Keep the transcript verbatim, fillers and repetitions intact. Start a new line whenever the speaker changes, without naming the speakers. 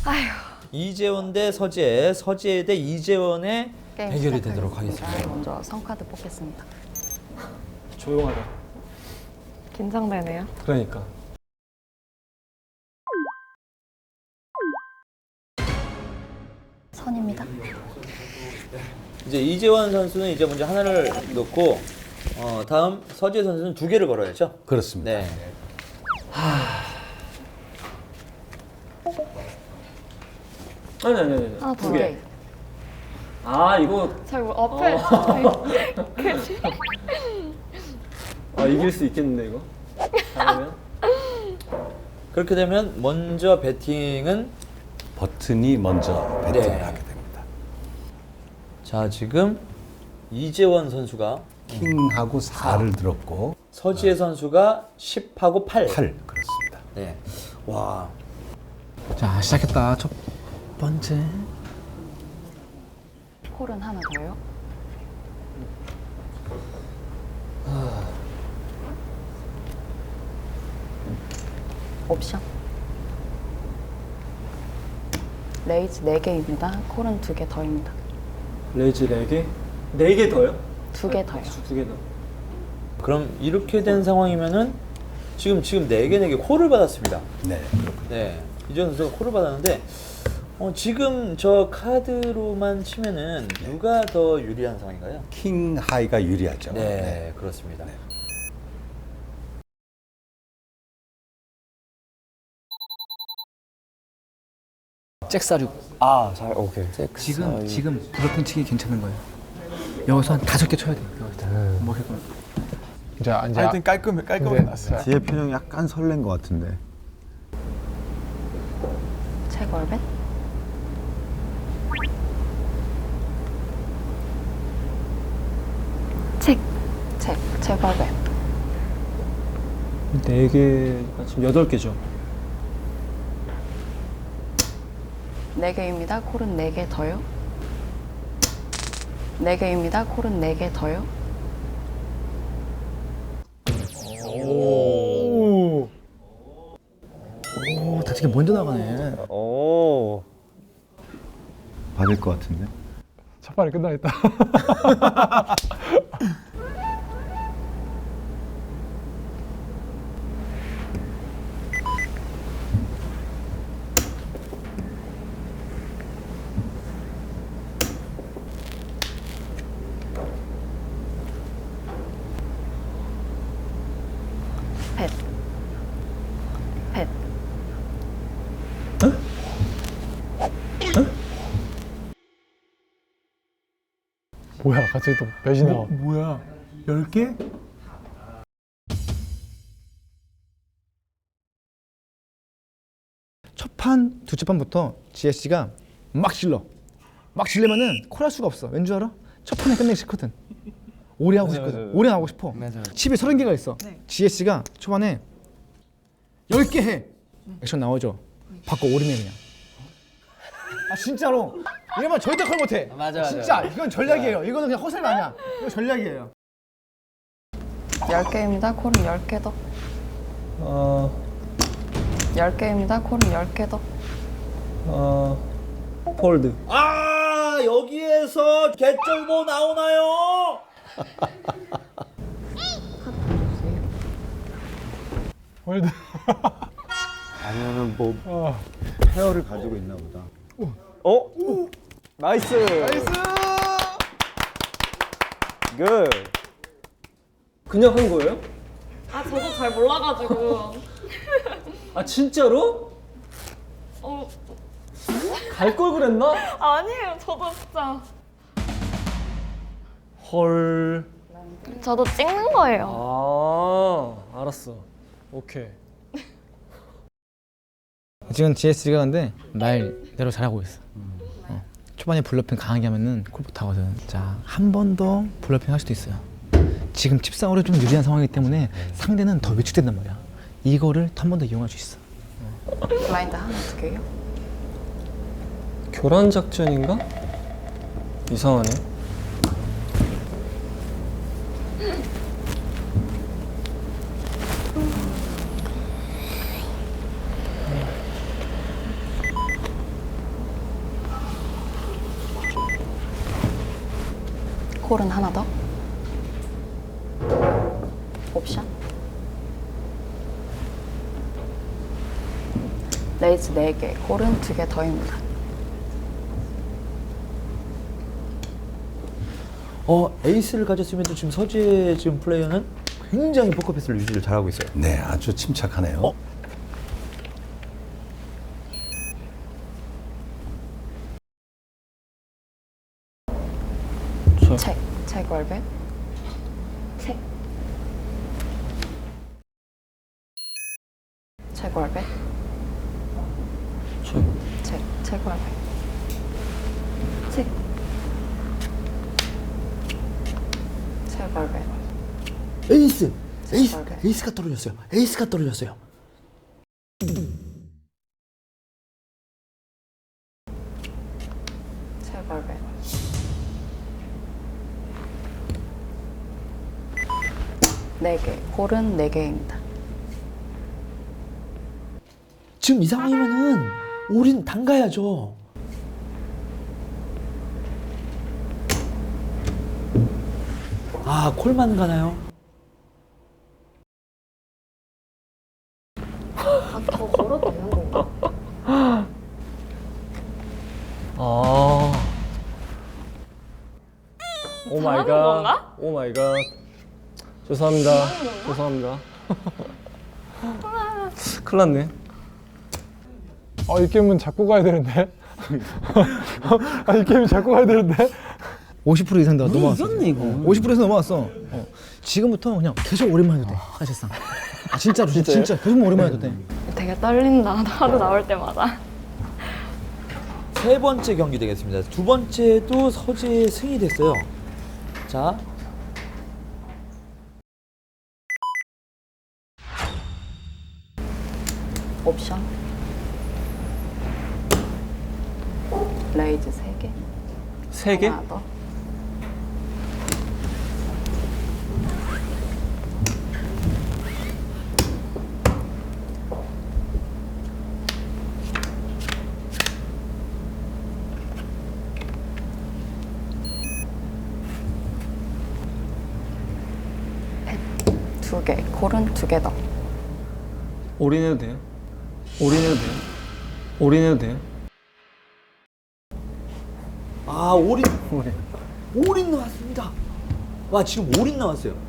아휴.
이재원 대 서재, 서재 대 이재원의 대결이 되도록 하겠습니다.
먼저 성카드 뽑겠습니다.
조용하다.
긴장되네요.
그러니까.
선입니다.
이제 이재원 선수는 이제 먼저 하나를 넣고 어, 다음 서재 선수는 두 개를 걸어야죠.
그렇습니다.
네.
아니 아니 아니.
하나
두
더.
개. 아 이거
저 이거 앞에 그치?
아 이길 수 있겠는데 이거. 잘하면.
그렇게 되면 먼저 배팅은
버튼이 먼저 배팅을
네.
하게 됩니다.
자 지금 이재원 선수가
킹하고 사를 들었고
서지혜 선수가 십하고 팔.
팔 그렇습니다.
네. 와.
자 시작했다. 첫 번째.
콜은 하나 더요. 옵션. 레이즈 네 개입니다. 콜은 두 개 더입니다.
레이즈 네 개? 네 개 더요?
두 개 더요.
두 개 더.
그럼 이렇게 된 상황이면은 지금 지금 네 개 네 개 콜을 받았습니다.
네.
네. 이재원 선수가 콜을 받았는데 어, 지금 저 카드로만 치면은 누가 더 유리한 상황인가요?
킹 하이가 유리하죠.
네, 그렇습니다.
네.
잭사륙.
아 잘 오케이.
지금 지금 브로핑 치기 괜찮은 거예요. 여기서 한 다섯 개 쳐야 돼. 여기서 뭐 해도.
이제 이제
하여튼 깔끔해 깔끔하게 났어요.
뒤에 표정이 약간 설렌 것 같은데.
체걸벳. 책. 책. 체걸벳.
네 개가 지금 여덟 개죠.
네 개입니다. 콜은 네 개 더요. 네 개입니다. 콜은 네 개 더요.
오, 다섯 개 먼저 나가네.
오.
받을 것 같은데.
첫 판이 끝나겠다.
펫. 펫.
뭐야 갑자기 또 몇이 나와?
뭐야? 열 개? 첫 판, 두째 판부터 지에스씨가 막 질러. 막 질려면은 콜할 수가 없어. 왠 줄 알아? 첫 판에 끝내기 싫거든. 오래 하고 싶거든. 오래 하고 싶어. 칩이 서른 개가 있어. 지에스씨가 초반에 열 개 해. 액션 나오죠. 바꿔 올인해 그냥. 아 진짜로. 이러면 절대 콜 못해.
맞아, 맞아.
진짜 이건 전략이에요. 이거는 그냥 허세가 아니야. 이거 전략이에요.
열 개입니다. 콜은 열 개 더.
어.
열 개입니다. 콜은 열 개 더.
어. 폴드.
아 여기에서 개쩔보 나오나요?
홀드.
아니면은 뭐
아,
페어를 가지고 있나 보다.
어? 나이스. 나이스. 굿. 그냥 한 거예요?
아 저도 잘 몰라가지고
아 진짜로?
어
갈 걸 그랬나?
아니에요 저도 진짜
헐.
저도 찍는 거예요.
아 알았어. 오케이.
지금 지에스씨가 근데 말대로 잘하고 있어. 어. 초반에 블러핑 강하게 하면은 콜 못하거든. 자, 한 번 더 블러핑 할 수도 있어요. 지금 칩상으로 좀 유리한 상황이기 때문에 상대는 더 위축된단 말이야. 이거를 한 번 더 이용할 수 있어.
블라인드 하나 두 개요.
교란 작전인가? 이상하네.
콜은 하나 더. 옵션. 레이즈 네 개, 콜은 두 개 더입니다.
어, 에이스를 가졌음에도 지금 서재 지금 플레이어는 굉장히 포커페이스를 유지를 잘하고 있어요.
네, 아주 침착하네요.
어?
책, 책 월백. 책. 책 월백.
책.
책, 책 월백. 책. 책 월백.
에이스! 에이스!
월백.
에이스가 떨어졌어요. 에이스가 떨어졌어요.
책 월백. 네 개, 콜은 네 개입니다.
지금 이 상황이면은 올인 담가야죠. 아, 콜만 가나요?
아, 더 걸어도 되는 건가?
아. 오 마이
잘하는
갓.
건가?
오 마이 갓. 죄송합니다. 죄송합니다. 큰일 났네.
아, 이 게임은 잡고 가야 되는데. 아, 이 게임은 잡고 가야 되는데.
오십 퍼센트 이상 더 넘어왔어.
이겼네, 이거.
오십 퍼센트 이상 넘어왔어. 어. 지금부터 그냥 계속 오랜만 해도 돼. 사실상. 아, 진짜로 진짜, 진짜 계속 오랜만 해도 돼.
되게 떨린다. 하루 나올 때마다.
세 번째 경기 되겠습니다. 두 번째도 서재의 승이 됐어요. 자,
옵션. 레이즈 세 개.
세 개?
하나 더. 두 개, 콜은 두 개 더.
올인해도 돼요? 올인해도 돼요? 올인해도 돼요?
아, 올인.
올인.
올인 나왔습니다. 와, 지금 올인 나왔어요.